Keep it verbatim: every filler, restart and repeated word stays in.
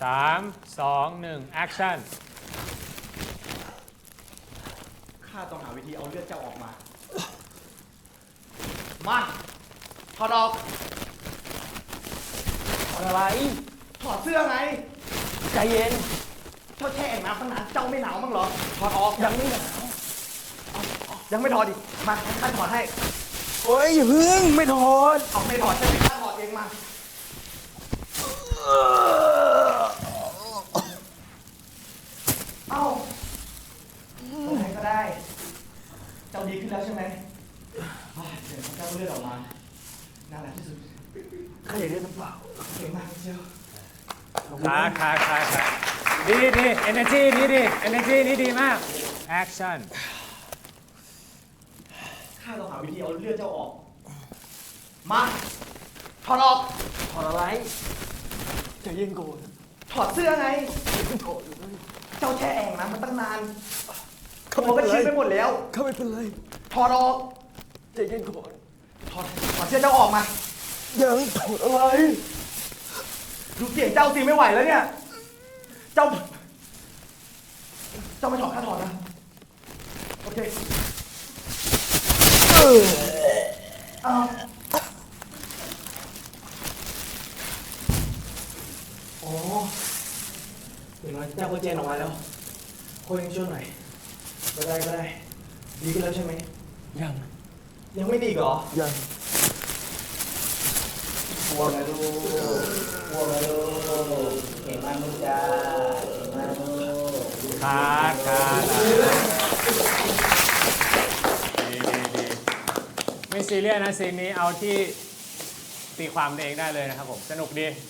สามสองหนึ่งแอคชั่นข้าต้องหาวิธีเอาเลือดเจ้าออกมา มาถอดออกถอดอะไรถอดเสื้อไงใจเย็นเจ้าแช่แอ่งน้ำตั้งนานเจ้าไม่หนาวมั้งเหรอ ถอดออกยังไม่หนาวยังไม่ถอดอีกมาข้าถอดให้โอ้ยอย่าเพึ่งไม่ถอดเอาไม่ถอดใช่ไหมข้าถอดเองมา เอ้าตรงไหนก็ได้ เจ้าดีขึ้นแล้วใช่ไหมอ่าเดี๋ยวเจ้าเลือดออกมาน่ารักที่สุดข้าอยากได้น้ำเปล่าเก่งมากเชียวขาขาขาขาดีดี energy นี้ดี energy นี้ดีมาก action ข้าต้องหาวิธีเอาเลือดเจ้าออก มาถอดออกถอดอะไรใจเย็นก่อนถอดเสื้อไงถอดเลยเจ้าแช่แอ่งน้ำมันตั้งนานตัวก็ชื้นไปหมดแล้วข้าไม่เป็นไรถอดออกใจเย็นก่อนถอดถอดเสื้อเจ้าออกมายังถอดอะไรดูเสียงเจ้าสิไม่ไหวแล้วเนี่ย เจ้า เจ้าไม่ถอดข้าถอดนะ โอเคเออเอาอ๋ออย่างน้อยเจ้าก็เจนออกมาแล้วคนยังช่วยหน่อยก็ได้ก็ได้ ดีขึ้นแล้วใช่ไหมยังยังไม่ดีอีกเหรอยังกลัวไหมลูกกลัวไหมลูกเก่งมากลูกจ้าเก่งมากลูกขาขาดีดีดีไม่ซีเรียสนะซีนนี้เอาที่ตีความตัวเองได้เลยนะครับผม สนุกดี